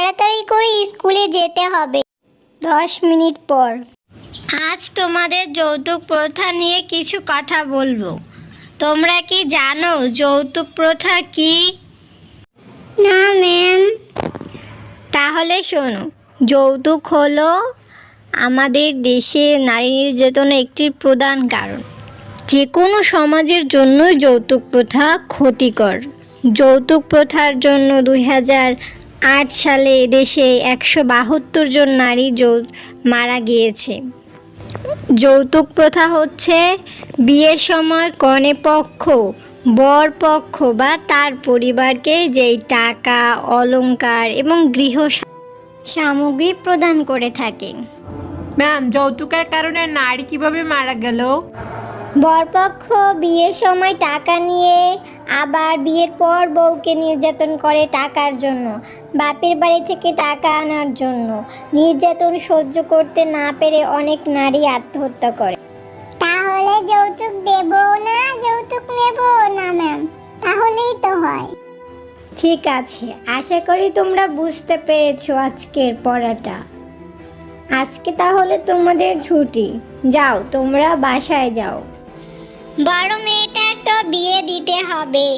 তাড়াতাড়ি করে স্কুলে যেতে হবে। 10 মিনিট পর। আজ তোমাদের যৌতুক প্রথা নিয়ে কিছু কথা বলবো। তোমরা কি জানো যৌতুক প্রথা কি? না ম্যাম। তাহলে শোনো, যৌতুক হলো আমাদের দেশে নারী নির্যাতনের একটি প্রধান কারণ। যে কোনো সমাজের জন্য যৌতুক প্রথা ক্ষতিকর। যৌতুক প্রথার জন্য 2008 সালে দেশে 172 জন নারী মারা গিয়েছে। যৌতুক প্রথা হচ্ছে বিয়ের সময় কনে পক্ষ, বর পক্ষ বা তার পরিবারকে যেই টাকা, অলংকার এবং গৃহ সামগ্রী প্রদান করে থাকে। ম্যাম, যৌতুকের কারণে নারী কিভাবে মারা গেল? বরপক্ষ বিয়ের সময় টাকা নিয়ে আবার বিয়ের পর বউকে নির্যাতন করে টাকার জন্য, বাপের বাড়ি থেকে টাকা আনার জন্য। নির্যাতন সহ্য করতে না পেরে অনেক নারী আত্মহত্যা করে। তাহলে যৌতুক দেব না, যৌতুক নেব না ম্যাম, তাহলেই তো হয়। ঠিক আছে, আশা করি তোমরা বুঝতে পেরেছো আজকের পড়াটা। আজকে তাহলে তোমাদের ছুটি, যাও তোমরা বাসায় যাও। বড় মেয়েটার তো বিয়ে দিতে হবে।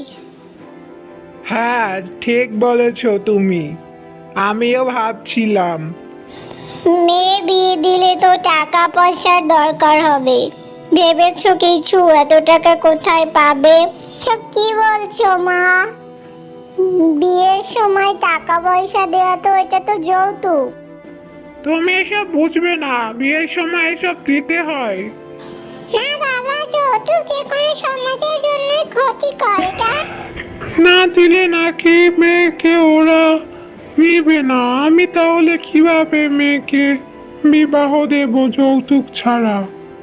হ্যাঁ, ঠিক বলেছ তুমি। আমিও ভাবছিলাম। মেয়ে বিয়ে দিলে তো টাকা পয়সার দরকার হবে। ভেবেছো কিছু? এত টাকা কোথায় পাবে? সব কি বলছো মা? বিয়ের সময় টাকা পয়সা দেওয়া তো এটা তো যৌতুক। তুমি এসব বুঝবে না, বিয়ের সময় এসব দিতে হয়। না বাবা, যৌতুক যে কোনো সমাজের জন্য ক্ষতিকর। এটা না দিলে নাকি মেয়েকে ওরা নিবে না। আমি তাহলে কিভাবে মেয়েকে বিবাহ দেব যৌতুক ছাড়া?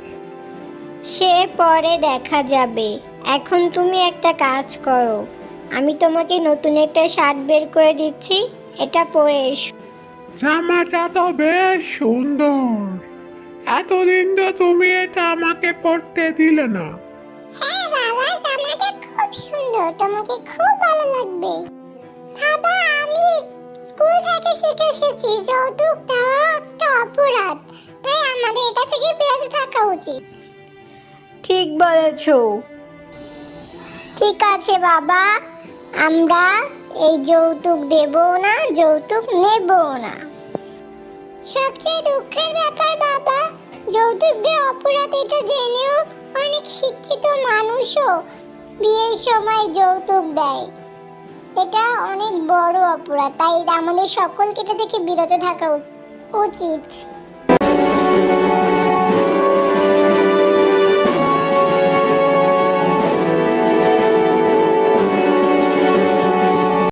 সে পরে দেখা যাবে। এখন তুমি একটা কাজ করো, আমি তোমাকে নতুন একটা শার্ট বের করে দিচ্ছি, এটা পরে এসো। জামাটা তো বেশ সুন্দর। এতদিন তো তুমি এটা আমাকে পরতে দিলে না। হ্যাঁ বাবা, জামাটা খুব সুন্দর, তোমাকে খুব ভালো লাগবে। বাবা, আমি স্কুল থেকে শিখে এসেছি যৌতুক দেওয়া একটা অপরাধ, তাই আমাদের এটা থেকে বিরত থাকা উচিত। ঠিক বলেছো। ঠিক আছে বাবা, আমরা এই যৌতুক দেব না, যৌতুক নেব না। সবচেয়ে দুঃখের ব্যাপার বাবা, যৌতুক দেওয়া অপরাধ এটা জেনেও অনেক শিক্ষিত মানুষও বিয়ের সময় যৌতুক দেয়। এটা অনেক বড় অপরাধ, তাই আমাদের সকলকে এটা থেকে বিরত থাকা উচিত।